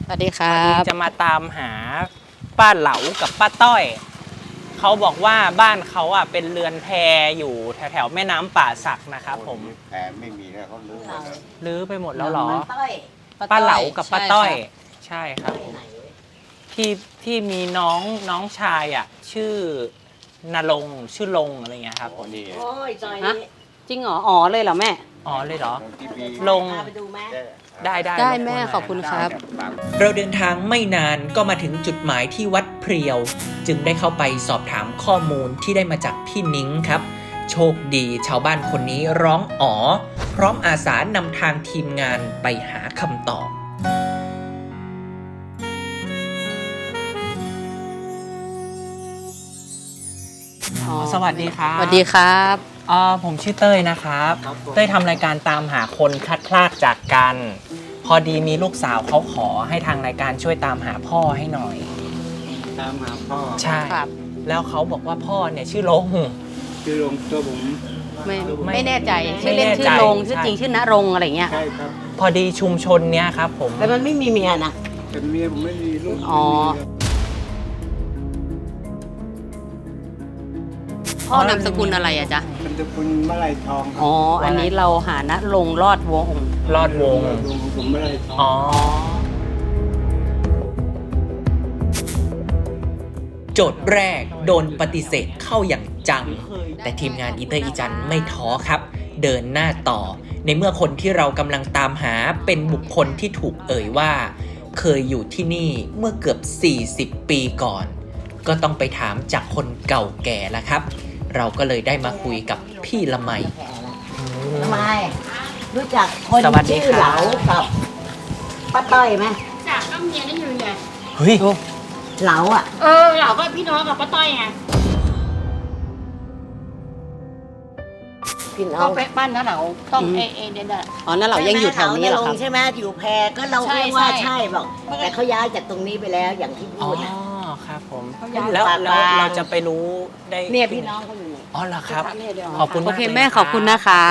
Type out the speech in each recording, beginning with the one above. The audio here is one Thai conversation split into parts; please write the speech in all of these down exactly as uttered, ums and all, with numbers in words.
สวัสดีครับจะมาตามหาป้าเหลากับป้าต้อยเขาบอกว่าบ้านเขาอ่ะเป็นเรือนแพอยู่แถวแถวแม่น้ำป่าสักนะครับผมแพไม่มีแล้วเขาลื้อหมดแล้วลื้อไปหมดแล้วเหรอป้าป้าต้อยเหลากับป้าต้อยใช่ใช่ครับผมที่ที่มีน้องน้องชายอ่ะชื่อนรงค์ชื่อลงอะไรเงี้ยครับโอ้นี่โอ้ยจอยฮะนี่จริงเหรออ๋อเลยเหรอแม่อ๋อเลยเหรอที่มีลงพาไปดูไหมได้ได้ได้รบกวนแม่หน่ยขอบคุณครับเราเดินทางไม่นานก็มาถึงจุดหมายที่วัดเพรียว จึงได้เข้าไปสอบถามข้อมูลที่ได้มาจากพี่นิ้งครับ โชคดีชาวบ้านคนนี้ร้องอ๋อ พร้อมอาสานำทางทีมงานไปหาคำตอบอ๋อสวัสดีครับสวัสดีครับอ่าผมชื่อเต้ยนะครับเต้ยทำรายการตามหาคนพลัดพรากจากกัน พอดีมีลูกสาวเขาขอให้ทางรายการช่วยตามหาพ่อให้หน่อยตามหาพ่อใช่ครับแล้วเขาบอกว่าพ่อเนี่ยชื่อลงชื่อลงตัวผมไม่ไม่ไม่แน่ใจไม่ชื่อเล่นแน่ชื่ใจอลงชื่อใช่จริงชื่อณรงค์อะไรเงี้ยใช่ครับพอดีชุมชนเนี้ยครับผมแต่มันไม่มีเมียนะแต่เมียผมไม่มีลูกอ๋อ พ่อนามสกุลอะไรอะจ๊ะมันจะคุณมะไรทองครับอ๋อ อันนี้เราหาณรงค์รอดวงศ์รอดวงลุงผมมะไรทองอ๋อ โจทย์แรกโดนปฏิเสธเข้าอย่างจัง แต่ทีมงานอีเตอร์อีจันไม่ท้อครับ เดินหน้าต่อ ในเมื่อคนที่เรากำลังตามหาเป็นบุคคลที่ถูกเอ่ยว่า เคยอยู่ที่นี่เมื่อเกือบ สี่สิบ ปีก่อน ก็ต้องไปถามจากคนเก่าแก่แล้วครับ เราก็เลยได้มาคุยกับพี่ละไมทำไม รู้จักคนสวัสดีชื่อครับเหลากับป้าต้อยไหมจากก็เมียได้อยู่ไงเฮ้ยเหลาอ่ะเออเราก็พี่น้องกับป้าต้อยไงพี่น้อก็งไปบ้านน้าเหลาต้องอืมเอเอเดนอะอ๋อนั่นเรายังอยู่แถวนี้เหรอครับใช่ไหมอยู่แพรก็เราใช่เรียกว่าใช่ใช่บอกแต่เขาย้ายจากตรงนี้ไปแล้วอย่างที่อ๋พูอดนะครับผมเขาย้ายแล้วปากแล้วบางเราจะไปรู้ได้เนี่ยพี่น้องเขาอยู่นี่อ๋อเหรอครับถามเนี่ยเดี๋ยวขอบคุณโอมากเคลยแม่ขอบคุณนะครับ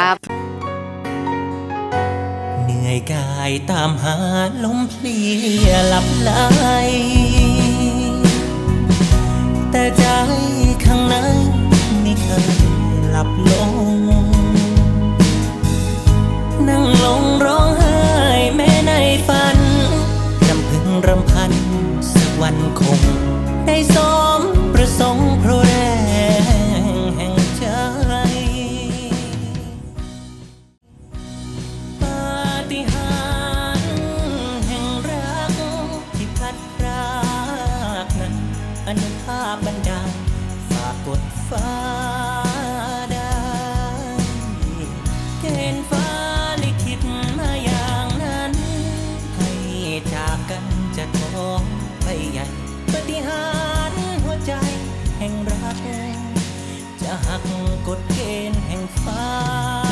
เหนื่อยกายตามหาลมเพลียหลับไหลแต่ใจข้างในไม่เคยหลับลง นั่งลงร้องไห้แม้ในฝันรำพึงรำพันสักวันคง ได้สมประสงค์เพราะแรงแห่งใจ ปาฏิหาริย์แห่งรักที่พัดพรากนั้นอนุภาพบันดาลฝากกดฟ้าได้เกณฑ์ฟ้าลิขิตมาอย่างนั้น ให้จากกันจะท้องไปใหญ่ปาฏิหาริย์หัวใจแห่งรัก จะหักกฎเกณฑ์แห่งฟ้า